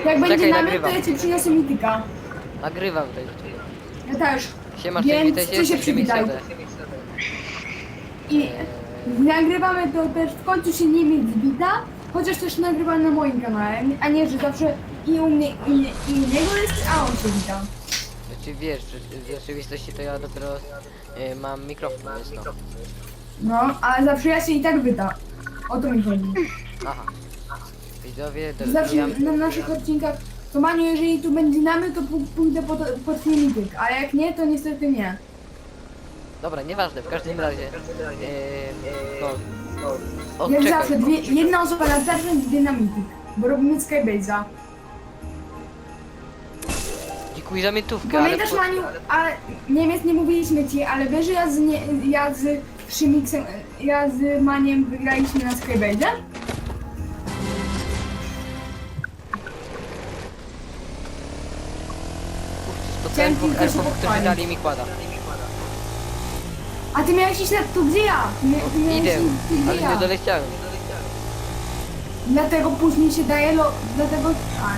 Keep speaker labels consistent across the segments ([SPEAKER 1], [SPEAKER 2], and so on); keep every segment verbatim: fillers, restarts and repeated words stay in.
[SPEAKER 1] Jak będzie
[SPEAKER 2] Czekaj,
[SPEAKER 1] namiot, to
[SPEAKER 2] nagrywam.
[SPEAKER 1] ja ci przyniosę mityka.
[SPEAKER 2] Nagrywam tutaj.
[SPEAKER 1] Ja też.
[SPEAKER 2] Siemasz,
[SPEAKER 1] Więc
[SPEAKER 2] witaj
[SPEAKER 1] ty się przywitaj. I nagrywamy to też, w końcu się nie mieć wita, chociaż też nagrywam na moim kanale, a nie, że zawsze i u mnie, i, i u niego jest, a on się wita.
[SPEAKER 2] Znaczy wiesz, że w rzeczywistości to ja dopiero y, mam mikrofon, jest to.
[SPEAKER 1] No, ale zawsze ja się i tak wyta. O to mi chodzi.
[SPEAKER 2] Aha. Widzowie,
[SPEAKER 1] Zawsze
[SPEAKER 2] dobijam.
[SPEAKER 1] na naszych odcinkach, to Maniu, jeżeli tu będzie namy, to p- pójdę po, po twój mityk, a jak nie, to niestety nie.
[SPEAKER 2] Dobra, nieważne, w każdym razie. Yy, no. O,
[SPEAKER 1] Jak
[SPEAKER 2] czekaj.
[SPEAKER 1] zawsze, dwie, jedna osoba na starcie, dwie na mityk, bo robimy Skybase'a.
[SPEAKER 2] Dziękuję za miętówkę, ale...
[SPEAKER 1] Pamiętasz,
[SPEAKER 2] po-
[SPEAKER 1] Maniu, a Niemiec nie mówiliśmy ci, ale wiesz, że ja z, nie, ja z Szymixem, ja z Maniem wygraliśmy na Skybase'ie?
[SPEAKER 2] Spotkałem
[SPEAKER 1] Chciałem
[SPEAKER 2] dwóch
[SPEAKER 1] tylko się
[SPEAKER 2] elfów, którzy
[SPEAKER 1] pochwalić.
[SPEAKER 2] dali mi kłada.
[SPEAKER 1] A ty miałeś iść na tu, gdzie ja? Ty, mia- ty miałeś
[SPEAKER 2] Idę,
[SPEAKER 1] iść tu, gdzie
[SPEAKER 2] ale
[SPEAKER 1] ja.
[SPEAKER 2] nie doleciałem.
[SPEAKER 1] Dlatego później się daje lo... dlatego... A,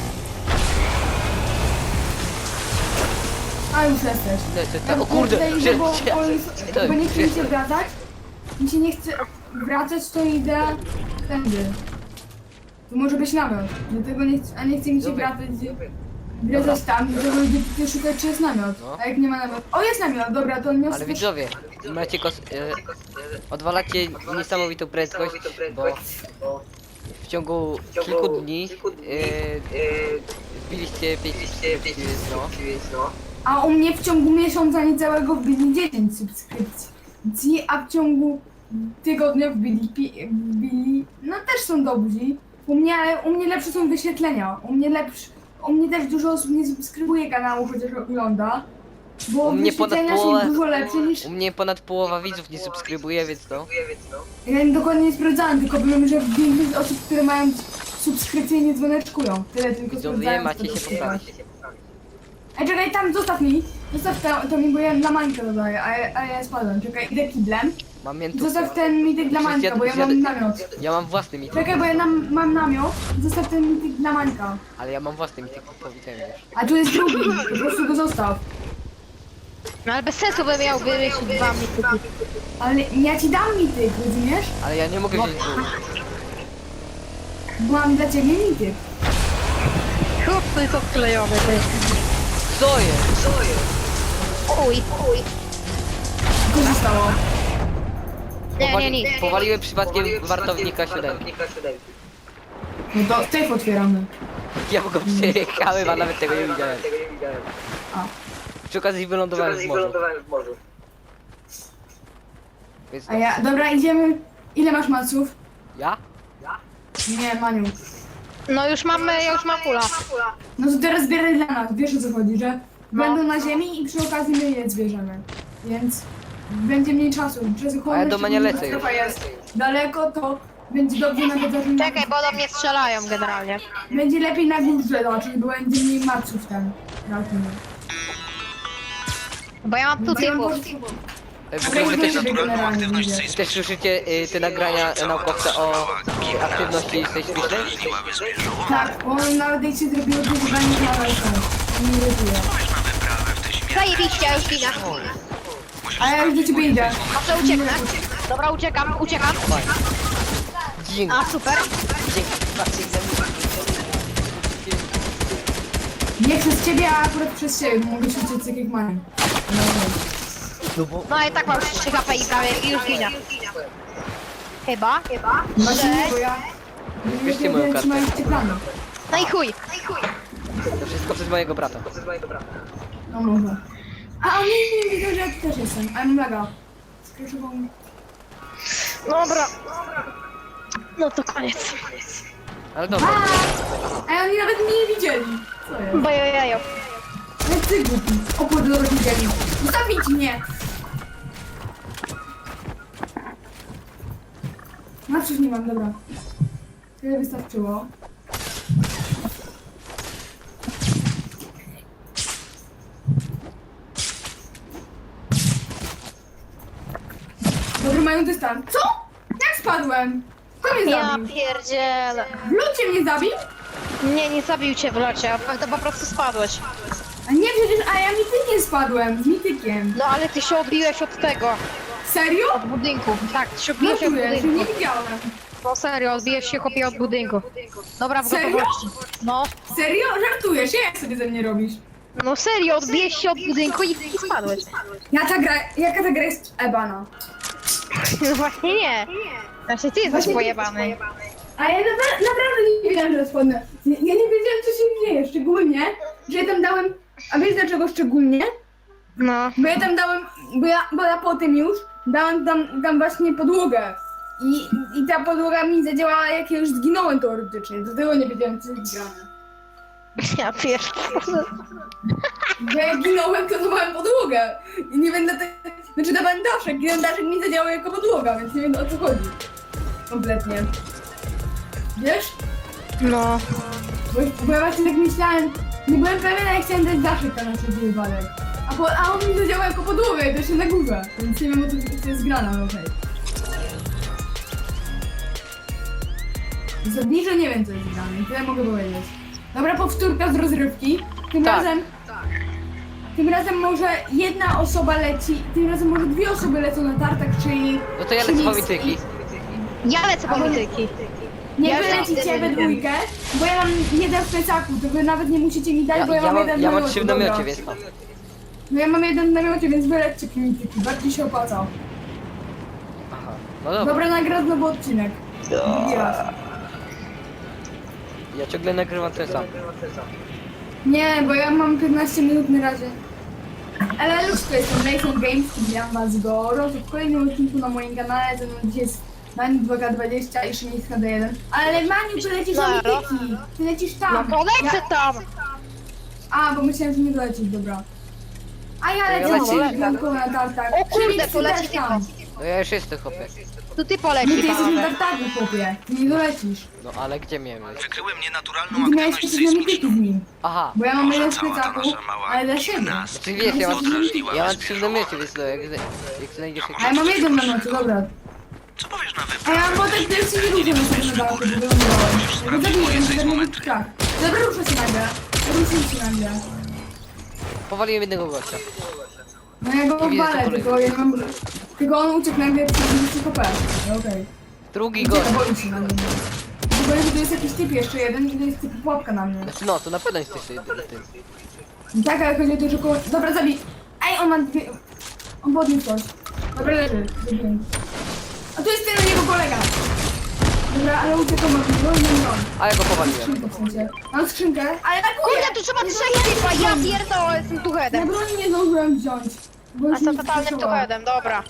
[SPEAKER 1] a już jesteś.
[SPEAKER 2] Lecę,
[SPEAKER 1] Ja-
[SPEAKER 2] ta, o
[SPEAKER 1] ja
[SPEAKER 2] kurde,
[SPEAKER 1] tutaj idę,
[SPEAKER 2] że-
[SPEAKER 1] bo,
[SPEAKER 2] że-
[SPEAKER 1] bo,
[SPEAKER 2] to-
[SPEAKER 1] bo nie chce mi się
[SPEAKER 2] że-
[SPEAKER 1] wracać. Mi się nie chce wracać, to idę tędy. To może być namiot. Dlatego nie chcę, a nie chce mi się
[SPEAKER 2] Dobra.
[SPEAKER 1] wracać. Wracać tam, dlatego idę tutaj szukać, czy jest namiot.
[SPEAKER 2] No.
[SPEAKER 1] A jak nie ma namiot. O, jest namiot, dobra, to niosę.
[SPEAKER 2] Ale widzowie, macie kos... E, odwalacie niesamowitą prędkość, bo w ciągu kilku dni e, wbiliście pięć no.
[SPEAKER 1] A u mnie w ciągu miesiąca niecałego wbili dziesięć subskrypcji, a w ciągu tygodnia wbili, pi- wbili, no też są dobrzy. U mnie, ale u mnie lepsze są wyświetlenia. U mnie lepsze, u mnie też dużo osób nie subskrybuje kanału, chociaż ogląda. Bo
[SPEAKER 2] U mnie ponad
[SPEAKER 1] wyświetlenia
[SPEAKER 2] połowę-
[SPEAKER 1] są dużo lepsze niż...
[SPEAKER 2] U mnie ponad połowa widzów nie subskrybuje, więc to...
[SPEAKER 1] Ja dokładnie nie sprawdzałem, tylko wiem, że większość osób, które mają subskrypcję, nie dzwoneczkują. Tyle tylko
[SPEAKER 2] Widzowie,
[SPEAKER 1] sprawdzałem.
[SPEAKER 2] macie
[SPEAKER 1] co to
[SPEAKER 2] się
[SPEAKER 1] jest.
[SPEAKER 2] poprawić.
[SPEAKER 1] Ej, czekaj, tam zostaw mi. Zostaw to, to mi, bo ja dla Mańka dodaję, a, ja- a ja spadłem. Czekaj, idę kiblem.
[SPEAKER 2] Mam miętówkę.
[SPEAKER 1] Zostaw ten mityk dla
[SPEAKER 2] Przecież
[SPEAKER 1] Mańka, bo ja
[SPEAKER 2] zjad-
[SPEAKER 1] mam
[SPEAKER 2] zjad-
[SPEAKER 1] namiot.
[SPEAKER 2] Ja mam własny mityk,
[SPEAKER 1] Czekaj, bo ja nam, mam namiot. Zostaw ten mityk dla Mańka.
[SPEAKER 2] ale ja mam własny mityk, powiedziałem już.
[SPEAKER 1] A tu jest drugi, po prostu go zostaw.
[SPEAKER 3] No ale bez sensu by miał wyryć dwa mityki.
[SPEAKER 1] Ale ja ci dam mityk, rozumiesz?
[SPEAKER 2] Ale ja nie mogę wziąć dwóch.
[SPEAKER 1] Bo mam dla ciebie mityk.
[SPEAKER 3] Chłop tylko wklejony, ty.
[SPEAKER 2] Co jest?
[SPEAKER 3] Uj, uj.
[SPEAKER 1] Co zostało?
[SPEAKER 3] Nie, nie,
[SPEAKER 2] Powali-
[SPEAKER 3] nic.
[SPEAKER 2] Powaliłem przypadkiem wartownika siódemki.
[SPEAKER 1] No to safe otwieramy.
[SPEAKER 2] Ja go przejechałem, a nawet tego nie widziałem.
[SPEAKER 1] A.
[SPEAKER 2] Przy okazji wylądowałem w morzu. Więc
[SPEAKER 1] A ja, dobra, idziemy. Ile masz maców?
[SPEAKER 2] ja?
[SPEAKER 1] Nie, Maniu.
[SPEAKER 3] No już mamy, ja już mam kula.
[SPEAKER 1] No to teraz zbieraj dla nas, wiesz o co chodzi, że
[SPEAKER 3] No.
[SPEAKER 1] będą na ziemi i przy okazji my je zbierzemy. Więc będzie mniej czasu.
[SPEAKER 2] A ja do mnie lecę już.
[SPEAKER 1] strefa jest daleko, to będzie dobrze nawet zacząć.
[SPEAKER 3] Czekaj, bo do mnie strzelają generalnie.
[SPEAKER 1] Będzie lepiej na górze zobaczyć, bo będzie mniej maców ten. Trafimy.
[SPEAKER 3] Bo ja mam tu typów.
[SPEAKER 2] E, W ogóle wy też,
[SPEAKER 1] Naturalną aktywność
[SPEAKER 2] wy też słyszycie y, te nagrania naukowca o y, aktywności sejsmicznej?
[SPEAKER 1] Tak, bo on nawet jak się zrobiło to zadanie na iPhone. Nie irytuje.
[SPEAKER 3] Zajebiście, ja już ginę.
[SPEAKER 1] A ja już do ciebie idę.
[SPEAKER 3] Może ucieknę? Dobra, uciekam, uciekam.
[SPEAKER 2] Dzięki.
[SPEAKER 3] A, super.
[SPEAKER 2] Dzięki. Patrzcie,
[SPEAKER 1] Nie przez ciebie, a akurat przez ciebie, bo mogę się uciec tak jak mają.
[SPEAKER 2] no bo...
[SPEAKER 3] No i tak mam trzy H P i prawie i już ginę. Chyba, chyba.
[SPEAKER 1] Właśnie nie, bo ja...
[SPEAKER 2] Bierzcie moją kartę.
[SPEAKER 1] Trzymajcie planu.
[SPEAKER 3] No i chuj.
[SPEAKER 2] To wszystko przez mojego brata.
[SPEAKER 1] No może. A on nie, nie widzę, że ja tu też jestem, ale mam laga. Skraszował mi.
[SPEAKER 3] Dobra. No to koniec.
[SPEAKER 2] Ale dobra.
[SPEAKER 1] A, a oni nawet mnie nie widzieli. Co jest?
[SPEAKER 3] Bojojajo.
[SPEAKER 1] Ale ty głupi. O kurde, dobra, widzieli. Zostawić mnie. Maców nie mam, dobra. Tyle wystarczyło. Dobry, mają dystans. Co? Jak spadłem? Kto mnie
[SPEAKER 3] Ja
[SPEAKER 1] zabił?
[SPEAKER 3] pierdzielę.
[SPEAKER 1] Lud cię mnie zabił?
[SPEAKER 3] Nie, nie zabił cię w locie, a to po prostu spadłeś.
[SPEAKER 1] A nie, przecież, a ja mitykiem spadłem, z mitykiem.
[SPEAKER 3] No ale ty się odbiłeś od tego,
[SPEAKER 1] Serio?
[SPEAKER 3] od budynku. Tak, ty się
[SPEAKER 1] No
[SPEAKER 3] odbiłeś od
[SPEAKER 1] czuję, że nie
[SPEAKER 3] budynku.
[SPEAKER 1] widziałem.
[SPEAKER 3] No serio, odbijesz się chłopie od budynku. Dobra, w
[SPEAKER 1] Serio?
[SPEAKER 3] gotowości. No,
[SPEAKER 1] Serio? Żartujesz? Jak sobie ze mnie robisz?
[SPEAKER 3] no serio, odbijesz się od budynku i, i spadłeś.
[SPEAKER 1] Ja ta gra, jaka ta gra jest ebana?
[SPEAKER 3] No właśnie nie. Znaczy ty jesteś
[SPEAKER 1] Właśnie-
[SPEAKER 3] pojebany.
[SPEAKER 1] A ja napra- naprawdę nie wiedziałam, że spadnę. Ja ja nie wiedziałam, co się dzieje, szczególnie, że ja tam dałem... A wiesz dlaczego szczególnie?
[SPEAKER 3] No.
[SPEAKER 1] Bo ja tam dałem, bo ja, bo ja po tym już dałem tam, tam właśnie podłogę. I, I ta podłoga mi zadziałała, jak ja już zginąłem teoretycznie. Do tego nie wiedziałem, co jest grane.
[SPEAKER 3] Ja pierdolę.
[SPEAKER 1] Bo jak ginąłem, to dawałem podłogę. I nie wiem dlatego... Znaczy dawałem daszek i ten daszek mi zadziałał jako podłoga, więc nie wiem, o co chodzi. Kompletnie. Wiesz?
[SPEAKER 3] No.
[SPEAKER 1] Bo, bo ja właśnie tak myślałem, nie byłem pewien, jak chciałem dać daszek na nasz wypadek. A, po, a on mi zadziałał jako podłogę i to się na górze. Więc nie wiem, o co to jest grana, no okej. Za bliżej nie wiem, co jest grane i tyle mogę powiedzieć. Dobra, powtórka z rozrywki. Tym
[SPEAKER 2] Tak.
[SPEAKER 1] razem... Tym razem może jedna osoba leci, tym razem może dwie osoby lecą na tartak, czyli...
[SPEAKER 2] No to ja
[SPEAKER 1] czyli
[SPEAKER 2] lecę po
[SPEAKER 1] z-
[SPEAKER 2] mityki.
[SPEAKER 3] Ja lecę po mityki.
[SPEAKER 1] Nie
[SPEAKER 3] Ja
[SPEAKER 1] wy
[SPEAKER 3] lecę
[SPEAKER 1] lecicie we
[SPEAKER 3] z
[SPEAKER 1] dwójkę, bo ja mam jeden w plecaku, to wy nawet nie musicie mi dać,
[SPEAKER 2] Ja,
[SPEAKER 1] bo ja,
[SPEAKER 2] ja,
[SPEAKER 1] mam jeden
[SPEAKER 2] mam,
[SPEAKER 1] w
[SPEAKER 2] ja mam
[SPEAKER 1] namiocie,
[SPEAKER 2] trzy w
[SPEAKER 1] dobra.
[SPEAKER 2] namiocie, więc mam.
[SPEAKER 1] No ja mam jeden w namiocie, więc wy lećcie mityki, bardziej się opłaca.
[SPEAKER 2] Aha. No dobra.
[SPEAKER 1] Dobra, nagrać znowu odcinek. Drugi raz.
[SPEAKER 2] Ja ciągle nagrywam ten sam.
[SPEAKER 1] Nie, bo ja mam piętnaście minut na razie. Ale już to jestem Mason Games, witam was gorąco w kolejnym odcinku na moim kanale, ze mną dzisiaj jest Mani dwa K dwadzieścia i Szymiec H D jeden. Ale Maniu, ty lecisz na
[SPEAKER 3] Zero.
[SPEAKER 1] mityki, ty lecisz tam.
[SPEAKER 3] No to lecę tam.
[SPEAKER 1] A, bo myślałem, że nie dolecisz, dobra. A ja
[SPEAKER 2] To ja
[SPEAKER 1] lecę
[SPEAKER 2] lecę.
[SPEAKER 1] na piątką na tartak.
[SPEAKER 3] O kurde,
[SPEAKER 1] Szymiec,
[SPEAKER 3] to
[SPEAKER 1] ty
[SPEAKER 3] leci
[SPEAKER 1] też tam.
[SPEAKER 2] No ja już jestem chłopie.
[SPEAKER 3] To ty
[SPEAKER 1] No ty
[SPEAKER 3] poleci,
[SPEAKER 1] jesteś na
[SPEAKER 3] panowie.
[SPEAKER 1] tartaku, chłopie. Ty nie dolecisz.
[SPEAKER 2] No ale gdzie miałem lecieć?
[SPEAKER 4] Wykryłem nienaturalną
[SPEAKER 1] Ty miałeś
[SPEAKER 4] aktywność
[SPEAKER 1] przecież na mityki
[SPEAKER 4] sejsmiczną.
[SPEAKER 1] z nim.
[SPEAKER 2] Aha.
[SPEAKER 1] Bo ja mam
[SPEAKER 4] Może
[SPEAKER 1] jeden w
[SPEAKER 4] cała ta
[SPEAKER 1] plecaku,
[SPEAKER 4] wasza mała
[SPEAKER 1] ale dla siebie.
[SPEAKER 4] gimnazja
[SPEAKER 2] Ty wiesz, ja mam,
[SPEAKER 4] podrażniła
[SPEAKER 2] ja mam
[SPEAKER 4] was
[SPEAKER 2] trzy w
[SPEAKER 4] wieżowo.
[SPEAKER 2] namiocie, więc no jak, zna- jak znajdziesz
[SPEAKER 1] A ja mam jeden na nocy, dobra.
[SPEAKER 4] Co powiesz na
[SPEAKER 1] A ja
[SPEAKER 4] wyprawę?
[SPEAKER 1] mam potem też się nie ruszę na sobie na dachu, bo wylądowałem. Bo zabiję, że będę mówić tak. Dobra, ruszę się nagle. Ruszę się nagle.
[SPEAKER 2] Powaliłem jednego gościa.
[SPEAKER 1] No ja go
[SPEAKER 2] Nie widzę,
[SPEAKER 1] walę,
[SPEAKER 2] co
[SPEAKER 1] tylko ja mam... Tylko on uciekł nagle przez dwadzieścia H P. No okej.
[SPEAKER 2] Drugi gość.
[SPEAKER 1] Ucieka, boi się na mnie. Tylko że tu jest jakiś typ jeszcze jeden i to jest typ pułapka na mnie.
[SPEAKER 2] Znaczy no, to na pewno jesteś ty, ty, ty.
[SPEAKER 1] Tak, ale chodzi o to, że koło... Dobra, zabij. Ej, on ma dwie... On podniósł coś. Dobra, leży. Zabiłem. A tu jest ten jego kolega. Dobra, ale uciekał ma mnie, bo nie mam.
[SPEAKER 2] A ja go powaliłem.
[SPEAKER 1] Skrzynkę w sensie. Mam skrzynkę, ale na
[SPEAKER 3] Kurde, tu trzeba trzech typa, ja pierdolę, jestem tu
[SPEAKER 1] Na
[SPEAKER 3] headem.
[SPEAKER 1] broni nie zdążyłem wziąć. Bo
[SPEAKER 3] A
[SPEAKER 1] już
[SPEAKER 3] co
[SPEAKER 1] mi
[SPEAKER 3] totalnym tu
[SPEAKER 1] skrzyżowało.
[SPEAKER 3] headem, dobra.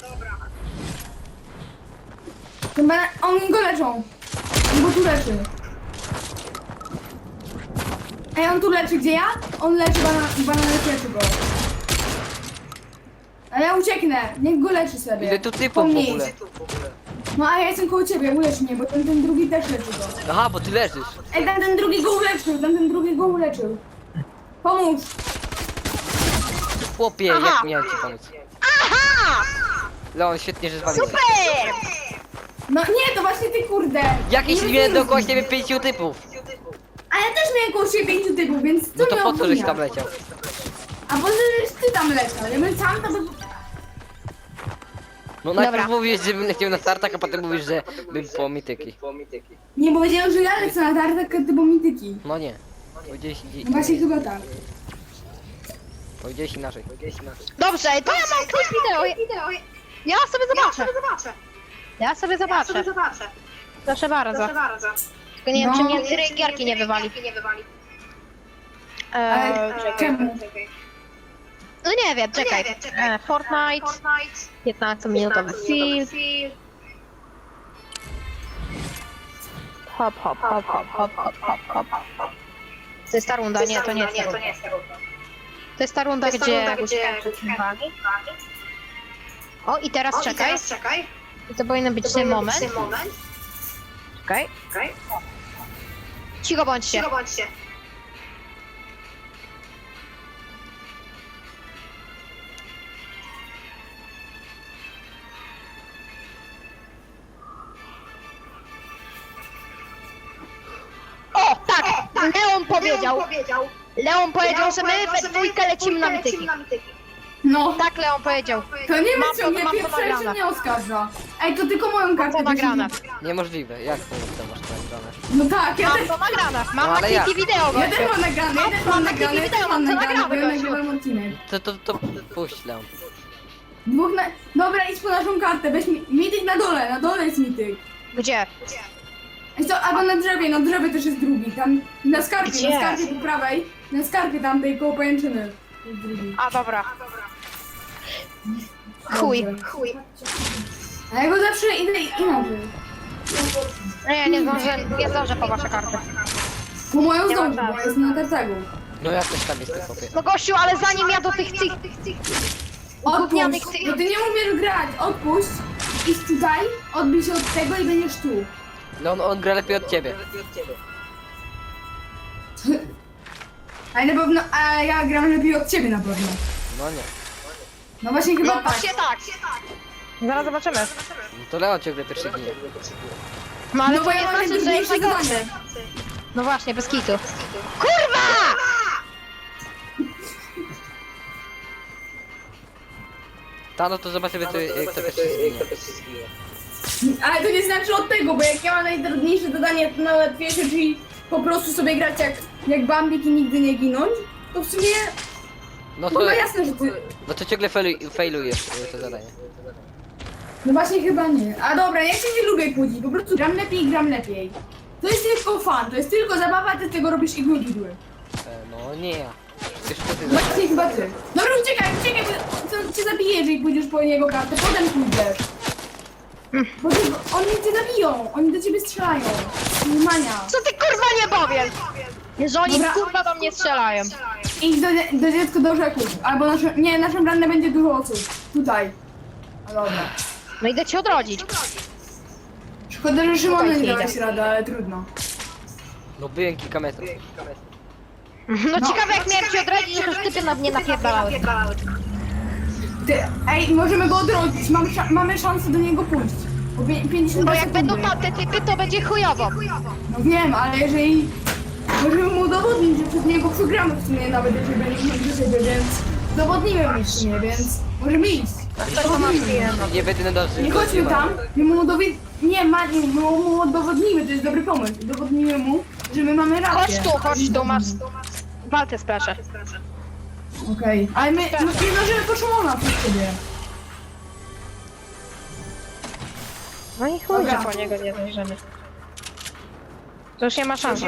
[SPEAKER 1] Chyba oni go leczą. On go tu leczy. Ej, on tu leczy, gdzie ja? On leczy banan, banan leczy go. A ja ucieknę, niech go leczy sobie.
[SPEAKER 2] Ile tu typów w
[SPEAKER 1] Pomniej.
[SPEAKER 2] ogóle?
[SPEAKER 1] No a ja jestem koło ciebie, ulecz mnie, bo ten, ten drugi też leczy go.
[SPEAKER 2] Aha, bo ty leżysz.
[SPEAKER 1] Ej, ten, ten drugi go uleczył, ten, ten drugi go uleczył. Pomóż.
[SPEAKER 2] Chłopie,
[SPEAKER 3] Aha.
[SPEAKER 2] jak miałem ci pomóc?
[SPEAKER 3] Aha!
[SPEAKER 2] Leon, świetnie, że zwaliłeś.
[SPEAKER 3] Super!
[SPEAKER 1] No nie, to właśnie ty kurde.
[SPEAKER 2] Jakiś
[SPEAKER 1] Nie
[SPEAKER 2] miałem
[SPEAKER 1] rozumiem.
[SPEAKER 2] dookoła siebie pięciu typów.
[SPEAKER 1] A ja też miałem koło siebie pięciu typów, więc co
[SPEAKER 2] No to
[SPEAKER 1] mnie
[SPEAKER 2] po co żeś
[SPEAKER 1] obwinia?
[SPEAKER 2] tam leciał?
[SPEAKER 1] A poza tym, że ty tam leciał, ja bym sam to by...
[SPEAKER 2] No najpierw
[SPEAKER 3] Dobra.
[SPEAKER 2] mówisz, żebym leciał na startak, a potem mówisz, że bym po mityki.
[SPEAKER 1] Nie powiedziałem, że ja lecę na tartak, a ty bo mityki.
[SPEAKER 2] No nie. Powiedziałeś,
[SPEAKER 1] No właśnie chyba tak.
[SPEAKER 2] powiedziałeś inaczej.
[SPEAKER 3] Dobrze, to ja mam klip wideo. Ja sobie zobaczę. Ja sobie zobaczę. Proszę bardzo. Tylko nie wiem,
[SPEAKER 1] No.
[SPEAKER 3] czy mnie z gierki nie wywali. Eee,
[SPEAKER 1] Ale czemu?
[SPEAKER 3] no nie wiem, czekaj. E, Fortnite, piętnastominutowy film. Hop, hop, hop, hop, hop, hop, hop, hop. To jest ta runda, nie, to nie jest ta runda. To jest ta runda, gdzie uciekam przed uwagi. O, i teraz czekaj. I to powinien być ten moment. Czekaj. Cicho bądźcie. O, tak! Neo powiedział? Leon powiedział, że my we dwójkę lecimy na mityki.
[SPEAKER 1] No,
[SPEAKER 3] Tak Leon powiedział.
[SPEAKER 1] to nie
[SPEAKER 3] Mam
[SPEAKER 1] wiem,
[SPEAKER 3] to-
[SPEAKER 1] co mnie
[SPEAKER 3] mam to
[SPEAKER 1] pierwsze się
[SPEAKER 3] nagrane.
[SPEAKER 1] nie oskarża. Ej, to tylko moją kartę.
[SPEAKER 3] to nagrane.
[SPEAKER 2] Niemożliwe, jak to, to masz to nagrane?
[SPEAKER 1] No tak, ja
[SPEAKER 3] Mam
[SPEAKER 1] też,
[SPEAKER 3] to nagrane. Mam
[SPEAKER 2] No,
[SPEAKER 3] na
[SPEAKER 2] ale jak?
[SPEAKER 3] kliki wideo.
[SPEAKER 1] ja
[SPEAKER 3] gościu.
[SPEAKER 1] też mam nagrane, ja też mam
[SPEAKER 3] Mam
[SPEAKER 1] nagrane,
[SPEAKER 3] takie
[SPEAKER 1] ja też
[SPEAKER 3] wideo,
[SPEAKER 1] mam
[SPEAKER 3] to
[SPEAKER 1] nagrane, bo ja
[SPEAKER 3] nagramy, gościu.
[SPEAKER 1] nagrywam odcinek.
[SPEAKER 2] To, to, to puść Leon.
[SPEAKER 1] Dwóch na... Dobra, idź po naszą kartę, weź mi... mityk na dole, na dole jest mityk.
[SPEAKER 3] Gdzie?
[SPEAKER 1] Ej, co, albo na drzewie, na drzewie też jest drugi, tam na skarpie,
[SPEAKER 3] Gdzie?
[SPEAKER 1] na skarpie po prawej, na skarpie tamtej koło pajęczyny. Jest drugi.
[SPEAKER 3] A dobra. Chuj.
[SPEAKER 1] Dobrze. A ja go zawsze idę inaczej.
[SPEAKER 3] Nie, nie zdążę, nie zdążę po wasze karty.
[SPEAKER 1] Po moją
[SPEAKER 3] Nie ma
[SPEAKER 1] zdążę, bo
[SPEAKER 3] czasu.
[SPEAKER 1] jest na tartagu.
[SPEAKER 2] No jak też tam jest te chłopie?
[SPEAKER 3] No gościu, ale zanim ja do tych tych gównianych
[SPEAKER 1] Odpuść,
[SPEAKER 3] tych...
[SPEAKER 1] bo ty nie umiesz grać, odpuść, idź tutaj, odbij się od tego i będziesz tu.
[SPEAKER 2] Leon, on gra lepiej od ciebie.
[SPEAKER 1] Ale na pewno, a ja gram lepiej od ciebie na pewno.
[SPEAKER 2] No nie.
[SPEAKER 1] No właśnie chyba
[SPEAKER 3] No
[SPEAKER 1] tak.
[SPEAKER 3] właśnie tak. Zaraz zobaczymy.
[SPEAKER 2] No to Leon ciągle pierwszy ginie.
[SPEAKER 3] No ale
[SPEAKER 1] No bo
[SPEAKER 3] to
[SPEAKER 1] ja
[SPEAKER 3] nie
[SPEAKER 1] mam
[SPEAKER 3] znaczy, że jest
[SPEAKER 1] najtrudniejsze
[SPEAKER 3] najgorszy.
[SPEAKER 1] zadanie.
[SPEAKER 3] No właśnie, bez kitu. Kurwa!
[SPEAKER 2] Ta, no to zobaczymy, to, kto pierwszy zginie.
[SPEAKER 1] Ale to nie znaczy od tego, bo jak ja mam najtrudniejsze zadanie, to najłatwiejsze, czyli po prostu sobie grać jak, jak Bambik i nigdy nie ginąć, to w sumie
[SPEAKER 2] No to,
[SPEAKER 1] chyba jasne, że ty...
[SPEAKER 2] no to ciągle failu- failujesz y, to zadanie.
[SPEAKER 1] No właśnie chyba nie. A dobra, ja się nie lubię kłócić, po prostu gram lepiej i gram lepiej. To jest tylko fan, to jest tylko zabawa, ty z tego robisz igły igły.
[SPEAKER 2] E, no nie ja. Przecież to ty
[SPEAKER 1] Właśnie
[SPEAKER 2] zadajesz.
[SPEAKER 1] chyba ty. Dobra, uciekaj, uciekaj, bo to cię zabije, jeżeli pójdziesz po jego kartę, potem pójdziesz. Bo ty, oni cię zabiją, oni do ciebie strzelają. Mania.
[SPEAKER 3] Co ty kurwa nie powiesz? Że oni
[SPEAKER 1] Dobra.
[SPEAKER 3] kurwa do mnie strzelają.
[SPEAKER 1] Idź do, do dziecka do rzeków, albo nasze, nie, naszą brannę będzie dużo osób. Tutaj. A dobra.
[SPEAKER 3] No idę cię odrodzić.
[SPEAKER 1] Szkoda, że Szymona
[SPEAKER 3] Tutaj
[SPEAKER 1] nie
[SPEAKER 3] idę.
[SPEAKER 1] dałeś rady, ale trudno.
[SPEAKER 2] No byłem kilka metrów.
[SPEAKER 3] No ciekawe jak miałem cię odrodzić, że już typy na mnie napierdalały.
[SPEAKER 1] Ty, ej, możemy go odrodzić, mamy, sza- mamy szansę do niego pójść. Bo pię- pięćdziesiąt
[SPEAKER 3] Bo jak
[SPEAKER 1] sekundy.
[SPEAKER 3] będą tam te typy, to będzie chujowo.
[SPEAKER 1] No wiem, ale jeżeli... Możemy mu udowodnić, że przez niego przegramy w sumie nawet, jeżeli będziemy do siebie, więc... Udowodnimy mu w sumie, więc... Możemy iść.
[SPEAKER 2] Nie będę nadążył.
[SPEAKER 1] Nie chodźmy tam, my mu udowodnimy... Nie, ma, nie, my mu udowodnimy, to jest dobry pomysł. Udowodnimy mu, że my mamy rację.
[SPEAKER 3] Chodź tu, chodź tu, masz walkę splaszę.
[SPEAKER 1] Okej, ale my no, nie zdążymy po Szymona przez ciebie.
[SPEAKER 3] No i chuj,
[SPEAKER 1] Dobra.
[SPEAKER 3] że po niego nie dojrzymy. To już nie ma szans.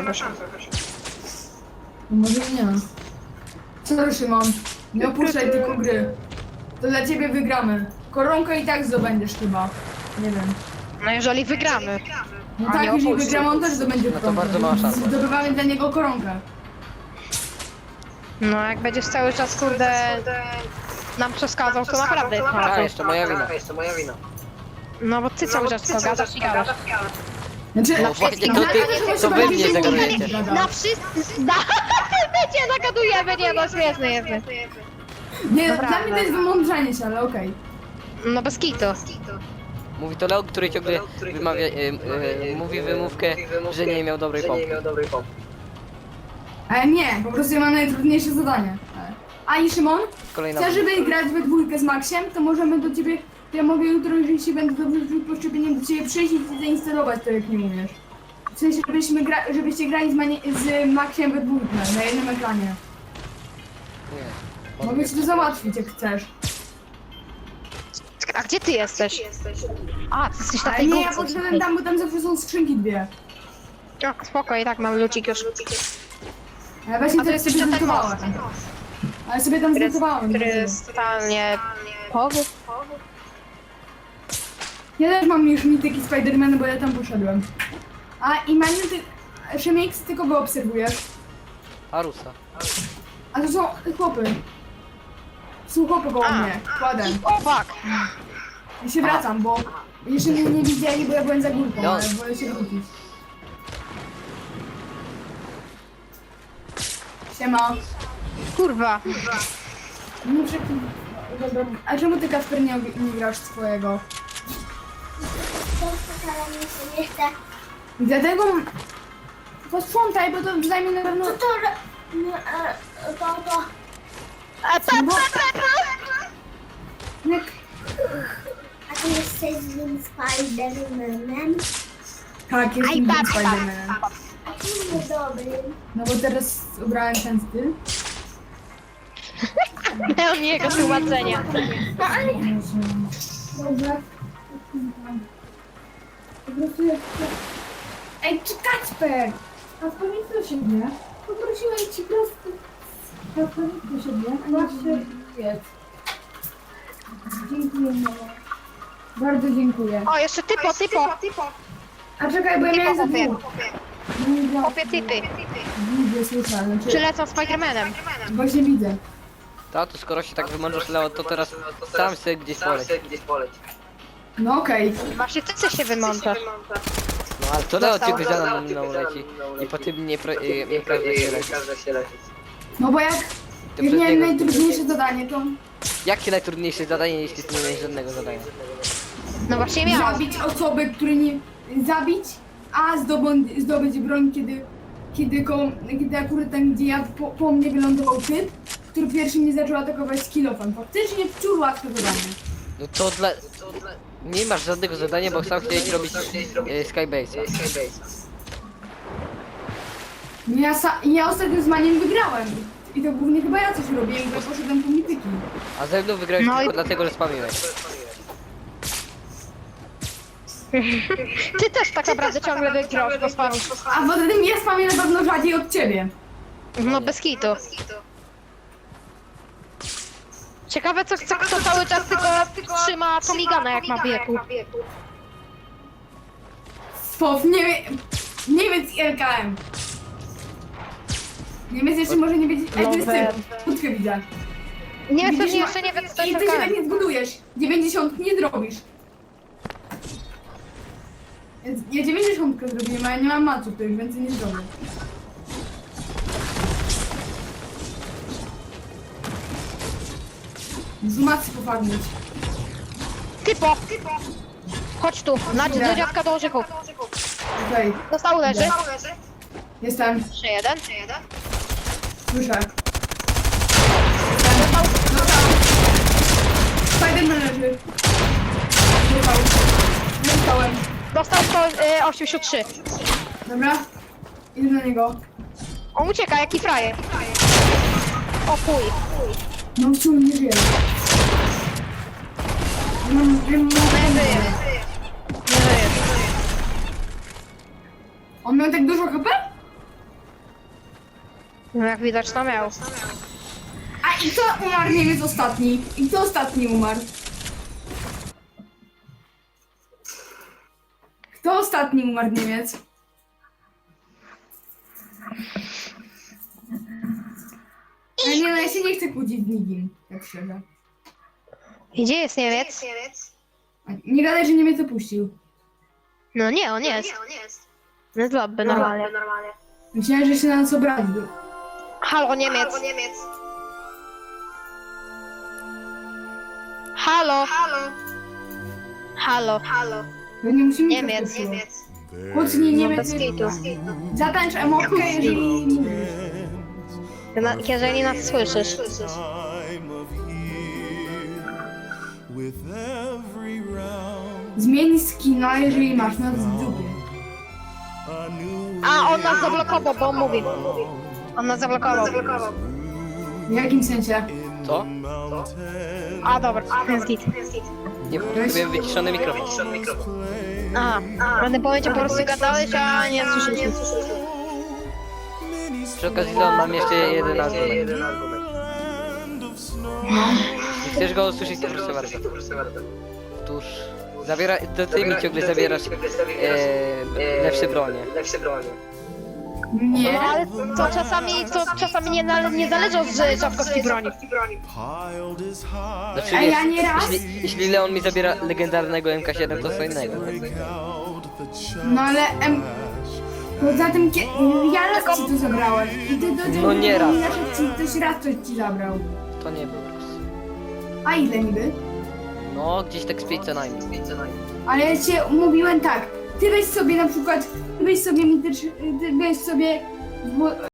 [SPEAKER 1] Może nie. Co Szymon? Nie opuszczaj tylko gry. To dla ciebie wygramy. Koronkę i tak zdobędziesz chyba. Nie wiem.
[SPEAKER 3] No jeżeli wygramy.
[SPEAKER 1] No
[SPEAKER 3] A
[SPEAKER 1] tak,
[SPEAKER 3] nie
[SPEAKER 1] jeżeli
[SPEAKER 3] opuszczę.
[SPEAKER 1] wygramy, on też zdobędzie
[SPEAKER 2] No to
[SPEAKER 1] koronkę.
[SPEAKER 2] bardzo mała szansa.
[SPEAKER 1] Zdobywamy dla niego koronkę.
[SPEAKER 3] No jak będziesz cały czas kurde nam przeszkadzał, to naprawdę jest
[SPEAKER 2] A,
[SPEAKER 3] problem.
[SPEAKER 2] jeszcze moja wina.
[SPEAKER 3] No bo ty cały czas tylko gadasz i gadasz.
[SPEAKER 1] Znaczy,
[SPEAKER 2] No właśnie, to
[SPEAKER 1] na-
[SPEAKER 2] ty-
[SPEAKER 1] na- na-
[SPEAKER 2] to
[SPEAKER 1] na-
[SPEAKER 2] wy
[SPEAKER 1] na-
[SPEAKER 2] mnie
[SPEAKER 1] na-
[SPEAKER 2] zagadujecie.
[SPEAKER 1] na-
[SPEAKER 3] Na wszyscy... Na... My cię zagadujemy, nie no śmieszny jesteś.
[SPEAKER 1] Nie,
[SPEAKER 3] Dobra,
[SPEAKER 1] dla mnie to jest
[SPEAKER 3] dobra.
[SPEAKER 1] wymądrzanie się, ale okej.
[SPEAKER 3] No bez kitu.
[SPEAKER 2] Mówi to Leon, który ciągle wymawia, y, y, mówi wymówkę, że nie miał dobrej pompy.
[SPEAKER 1] Ale nie, po prostu ja mam najtrudniejsze zadanie. A i Szymon,
[SPEAKER 2] Kolejna
[SPEAKER 1] chcesz, żeby grać we dwójkę z Maxiem, to możemy do ciebie, to ja mogę jutro, jeżeli się będę dobrze czuć po szczepieniu, do ciebie przyjść i ci zainstalować to, jak nie umiesz. W sensie, żebyśmy gra, żebyście grali z, mani- z Maxiem we dwójkę, na jednym ekranie.
[SPEAKER 2] Nie.
[SPEAKER 1] Mogę ci to załatwić, jak chcesz.
[SPEAKER 3] A gdzie ty jesteś? A, ty jesteś na
[SPEAKER 1] Ale
[SPEAKER 3] tej
[SPEAKER 1] nie, ja
[SPEAKER 3] górce.
[SPEAKER 1] podszedłem tam, bo tam zawsze są skrzynki dwie.
[SPEAKER 3] O, spoko, i tak mam lucik już.
[SPEAKER 1] Ale właśnie
[SPEAKER 3] A to
[SPEAKER 1] to
[SPEAKER 3] jest
[SPEAKER 1] sobie
[SPEAKER 3] jeszcze ten
[SPEAKER 1] zlutowałem.
[SPEAKER 3] most.
[SPEAKER 1] Ale sobie tam
[SPEAKER 3] Który jest,
[SPEAKER 1] zlutowałem.
[SPEAKER 3] który jest totalnie... Powód?
[SPEAKER 1] Ja też mam już mityki Spidermana, bo ja tam poszedłem. A i Maniu, ty... Szemix, ty kogo obserwujesz?
[SPEAKER 2] Arusa.
[SPEAKER 1] A to są chłopy. Są chłopy koło
[SPEAKER 3] A.
[SPEAKER 1] mnie. Kładem.
[SPEAKER 3] O, fuck.
[SPEAKER 1] Ja się wracam, bo jeszcze mnie nie widzieli, bo ja byłem za górką,
[SPEAKER 2] No.
[SPEAKER 1] ale wolę się wrócić. Siema.
[SPEAKER 3] Kurwa.
[SPEAKER 1] Muszę... Dobra. A czemu ty, Kasper, nie, nie grasz swojego?
[SPEAKER 4] Ale mi się nie chce.
[SPEAKER 1] Dlatego... posprzątaj, bo to zajmie na pewno...
[SPEAKER 4] Co to... ro- No, e, to, to...
[SPEAKER 3] A pa, pa, pa, pa.
[SPEAKER 1] Jak...
[SPEAKER 4] A ty jesteś złym Spidermanem?
[SPEAKER 1] Tak, jest
[SPEAKER 3] Aj,
[SPEAKER 1] innym
[SPEAKER 3] pa, pa,
[SPEAKER 1] Spidermanem.
[SPEAKER 3] pa.
[SPEAKER 4] A ty niedobrym.
[SPEAKER 1] No bo teraz ubrałem ten styl.
[SPEAKER 3] Pełni jego tłumaczenia.
[SPEAKER 4] No ale...
[SPEAKER 1] Dobrze. Po prostu jest... Ej, czy Kacper! Kacper, nie do siebie. Poprosiłem ci prosto. Kacper, nie do siebie. A nie się jedz. Dziękuję, mamo. Bardzo dziękuję.
[SPEAKER 3] O, jeszcze typo, typo.
[SPEAKER 1] A czekaj, bo ja miałem za dwóch. Nie widzę.
[SPEAKER 3] Kopie typy.
[SPEAKER 1] Widzę, słyszę, znaczy...
[SPEAKER 3] Przylecą Spidermanem.
[SPEAKER 1] Właśnie widzę.
[SPEAKER 2] Tato, skoro się tak wymądrzasz, Leo, to teraz sam sobie gdzieś poleć.
[SPEAKER 1] No okej.
[SPEAKER 3] Właśnie ty chcesz się wymączać.
[SPEAKER 2] No ale to Leo ciebie za mną leci. I po tym nie, pra- y, nie każdy się leci.
[SPEAKER 1] No bo jak...
[SPEAKER 2] To
[SPEAKER 1] Jak
[SPEAKER 2] przez
[SPEAKER 1] miałem
[SPEAKER 2] niego-
[SPEAKER 1] najtrudniejsze zadanie, to...
[SPEAKER 2] Jakie najtrudniejsze zadanie, jeśli ty nie miałeś żadnego zadania?
[SPEAKER 3] No właśnie miałam.
[SPEAKER 1] Zabić osoby, które nie... Zabić, a zdobądź, zdobyć broń, kiedy... Kiedy, ko, kiedy akurat tam, gdzie ja po, po mnie wylądował typ, który pierwszy mnie zaczął atakować z kilofem. Faktycznie wciąż łatwe zadanie.
[SPEAKER 2] No to dla... Nie masz żadnego zadania, bo sam chciałeś robić y, Skybase'a.
[SPEAKER 1] No Ja, sa, ja ostatnio z Maniem wygrałem. I to głównie chyba ja coś robiłem, bo poszedłem po mityki.
[SPEAKER 2] A ze mną wygrałeś
[SPEAKER 3] No
[SPEAKER 2] tylko
[SPEAKER 3] i-
[SPEAKER 2] dlatego, że spamiłeś.
[SPEAKER 3] Ty też tak naprawdę ciągle wygrasz, bo spamisz.
[SPEAKER 1] A poza tym ja spamię na pewno rzadziej od ciebie.
[SPEAKER 3] No bez kitu. Ciekawe co, co kto cały czas tylko trzyma Tomigana jak ma w wieku.
[SPEAKER 1] Spow, nie wiem... Niemiec i L K M. Niemiec jeszcze może nie wiedzieć... Ej, to jest typ. Kłódkę widzę.
[SPEAKER 3] Nie,
[SPEAKER 1] Widzisz,
[SPEAKER 3] pewnie
[SPEAKER 1] ma-
[SPEAKER 3] jeszcze nie wiem co to
[SPEAKER 1] I
[SPEAKER 3] jest
[SPEAKER 1] ty się tak
[SPEAKER 3] L K M.
[SPEAKER 1] nie zbudujesz. dziewięćdziesiąt nie zrobisz. Więc ja dziewięćdziesiąt zrobiłem, a ja nie mam maców, to już więcej nie zrobię. Z macy pofarmić.
[SPEAKER 3] Typo! Chodź tu, na do dziadka do orzechów.
[SPEAKER 1] Okej,
[SPEAKER 3] Dostał leży.
[SPEAKER 1] jestem.
[SPEAKER 3] Jeszcze jeden.
[SPEAKER 1] Słyszę.
[SPEAKER 3] Dostał.
[SPEAKER 1] Dostał. Spiderman leży. Dostał. Dostałem.
[SPEAKER 3] Dostał sto y, osiemdziesiąt trzy.
[SPEAKER 1] Dobra. Idę na niego.
[SPEAKER 3] On ucieka, jaki frajer. O chuj.
[SPEAKER 1] No w sumie nie żyje. Mam, wiem,
[SPEAKER 3] Nie żyje. Nie żyje.
[SPEAKER 1] On miał tak dużo H P?
[SPEAKER 3] No jak widać to miał.
[SPEAKER 1] A i kto umarł Niemiec ostatni? I kto ostatni umarł? Kto ostatni umarł Niemiec? A nie, no ja się nie chcę kłócić z nikim, tak szczerze.
[SPEAKER 3] Gdzie jest Niemiec?
[SPEAKER 1] A nie gadaj, że Niemiec opuścił.
[SPEAKER 3] No nie, on jest. No jest dobry, normalnie.
[SPEAKER 1] Myślałem, że się na nas obraził.
[SPEAKER 3] Halo, Niemiec. Halo. Halo.
[SPEAKER 1] To nie musimy
[SPEAKER 3] Niemiec.
[SPEAKER 1] Kłócnij
[SPEAKER 3] No
[SPEAKER 1] Niemiec.
[SPEAKER 3] bez kitu.
[SPEAKER 1] Zatańcz emotkę, jeżeli mówisz.
[SPEAKER 3] Na- Jeżeli nas słyszysz.
[SPEAKER 5] Zmień
[SPEAKER 1] Zmień skina, jeżeli masz nas w dupie.
[SPEAKER 3] A, on nas zablokował, bo on mówi. On nas zablokował.
[SPEAKER 1] W jakim sensie?
[SPEAKER 2] Co?
[SPEAKER 3] A, dobra, jest git.
[SPEAKER 2] Nie, byłem wyciszony mikrofon.
[SPEAKER 3] Aha, w tym momencie po prostu gadałeś, a nie słyszeliśmy.
[SPEAKER 2] Przy okazji Leon, mam jeszcze jeden argument. Jeśli chcesz go usłyszeć, to proszę bardzo. Otóż... Zabiera, to ty mi ciągle zabierasz e, lepsze bronie.
[SPEAKER 1] Nie.
[SPEAKER 3] No ale to czasami, to czasami nie, na, nie zależy od z- rzadkości broni.
[SPEAKER 2] Znaczy,
[SPEAKER 1] A ja nie raz?
[SPEAKER 2] jeśli, jeśli Leon mi zabiera legendarnego M K siedem, to co innego.
[SPEAKER 1] No ale... Em, poza tym, kie, ja raz ci to zabrałem. I ty do
[SPEAKER 2] No nie raz.
[SPEAKER 1] Ci, ktoś raz coś ci zabrał.
[SPEAKER 2] To nie był raz.
[SPEAKER 1] A ile niby?
[SPEAKER 2] No, gdzieś tak z pięć co najmniej.
[SPEAKER 1] Ale ja ci mówiłem tak. ty weź sobie na przykład, ty weź sobie, mitycz- ty weź sobie, bo,